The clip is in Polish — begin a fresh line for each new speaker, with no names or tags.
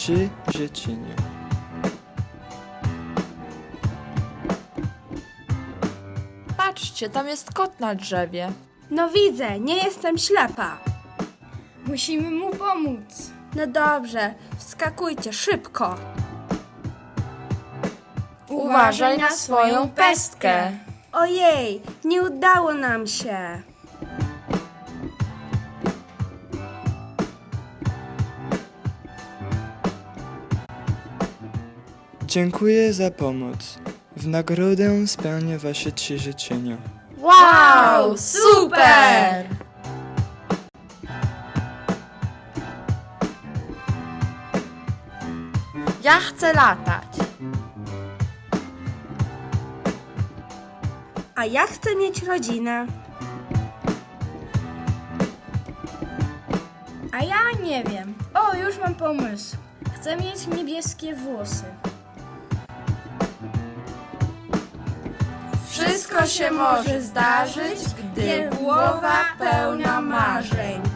3 życzenia.
Patrzcie, tam jest kot na drzewie.
No widzę, nie jestem ślepa.
Musimy mu pomóc.
No dobrze, wskakujcie szybko.
Uważaj na swoją pestkę.
Ojej, nie udało nam się.
Dziękuję za pomoc. W nagrodę spełnię wasze 3 życzenia.
Wow, super! Ja chcę latać.
A ja chcę mieć rodzinę.
A ja nie wiem. O, już mam pomysł. Chcę mieć niebieskie włosy.
Wszystko się może zdarzyć, gdy głowa pełna marzeń.